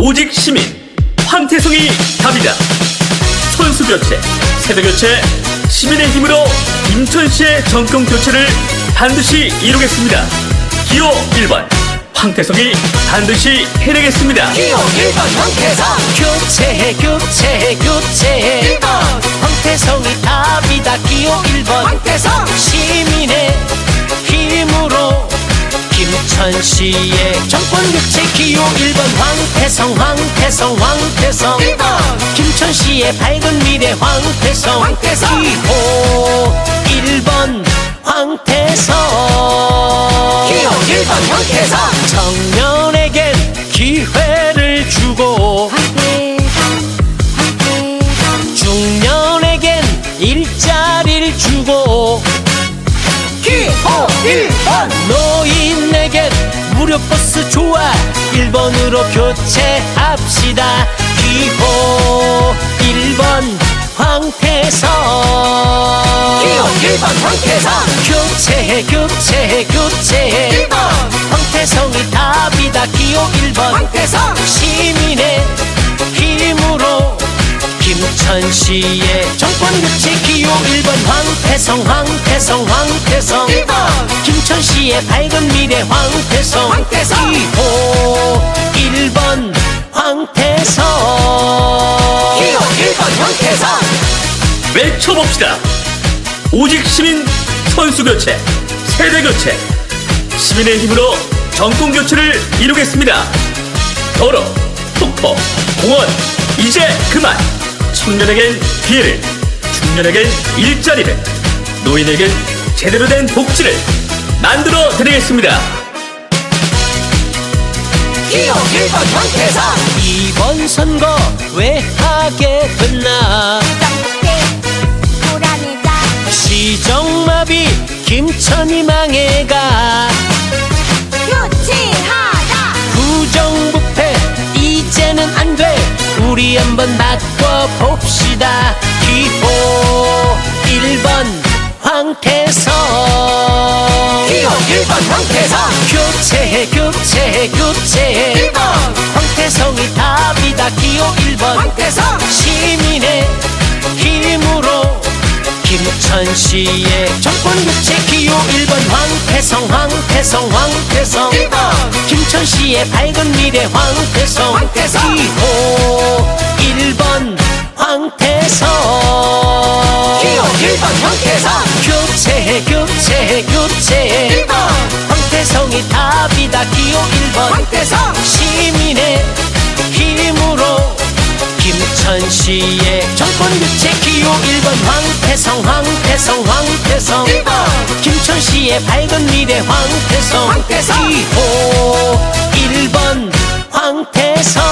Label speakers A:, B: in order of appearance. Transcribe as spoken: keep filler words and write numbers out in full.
A: 오직 시민 황태성이 답이다. 선수교체, 세대교체, 시민의 힘으로 김천시의 정권교체를 반드시 이루겠습니다. 기호 일 번 황태성이 반드시 해내겠습니다.
B: 기호 일 번 황태성.
C: 교체해 교체해 교체해
B: 일 번
C: 황태성이 답이다. 기호 일 번
B: 황태성.
C: 시민의 힘으로 김천시의 정권교체. 기호 일 번 황태성 황태성 황태성
B: 일 번
C: 김천시의 밝은 미래 황태성.
B: 황태성.
C: 기호 일 번 황태성.
B: 기호 일 번 황태성.
C: 청년에겐 기회를 주고 중년에겐 일자리를 주고
B: 기호 일 번
C: 노인에겐 무료 버스 좋아 일 번으로 교체합시다. 기호 일 번 황태성.
B: 기호 일 번 황태성.
C: 교체해 교체해 교체해
B: 일 번
C: 황태성이 답이다. 기호 일 번
B: 황태성.
C: 시민의 힘으로 김천시의 정권교체. 기호 일 번 황태성 황태성 황태성
B: 일 번
C: 김천시의 밝은 미래 황태성.
B: 황태성.
C: 기호 일 번 황태성.
B: 기호 일 번 황태성.
A: 외쳐봅시다. 오직 시민 선수교체, 세대교체, 시민의 힘으로 정권교체를 이루겠습니다. 도로, 폭포, 공원, 이제 그만. 청년에겐 기회를, 중년에겐 일자리를, 노인에겐 제대로 된 복지를 만들어 드리겠습니다.
B: 기호 일 번 황태성.
C: 이번 선거 왜 하게 됐나. 시정마비 김천이 망해가.
B: 교체하라.
C: 부정부패 이제는 안 돼. 우리 한번 바꿔봅시다. 기호 일 번 황태성.
B: 기호 일 번 황태성.
C: 교체해 교체해 교체해
B: 일 번
C: 황태성이 답이다. 기호 일 번
B: 황태성.
C: 시민의 힘으로 김천시의 정권교체. 기호 일 번 황태성 황태성 황태성
B: 일 번
C: 김천시의 밝은 미래 황태성.
B: 황태성.
C: 기호 일 번 황태성.
B: 기호 일 번 황태성.
C: 교체해 교체해 교체해
B: 일 번
C: 황태성이 답이다. 기호 일 번
B: 황태성.
C: 시민의 힘으로 김천시의 정권교체. 기호 일 번 황태성 황태성 황태성
B: 일 번
C: 김천시의 밝은 미래 황태성.
B: 황태성.
C: 기호 일 번 황태성.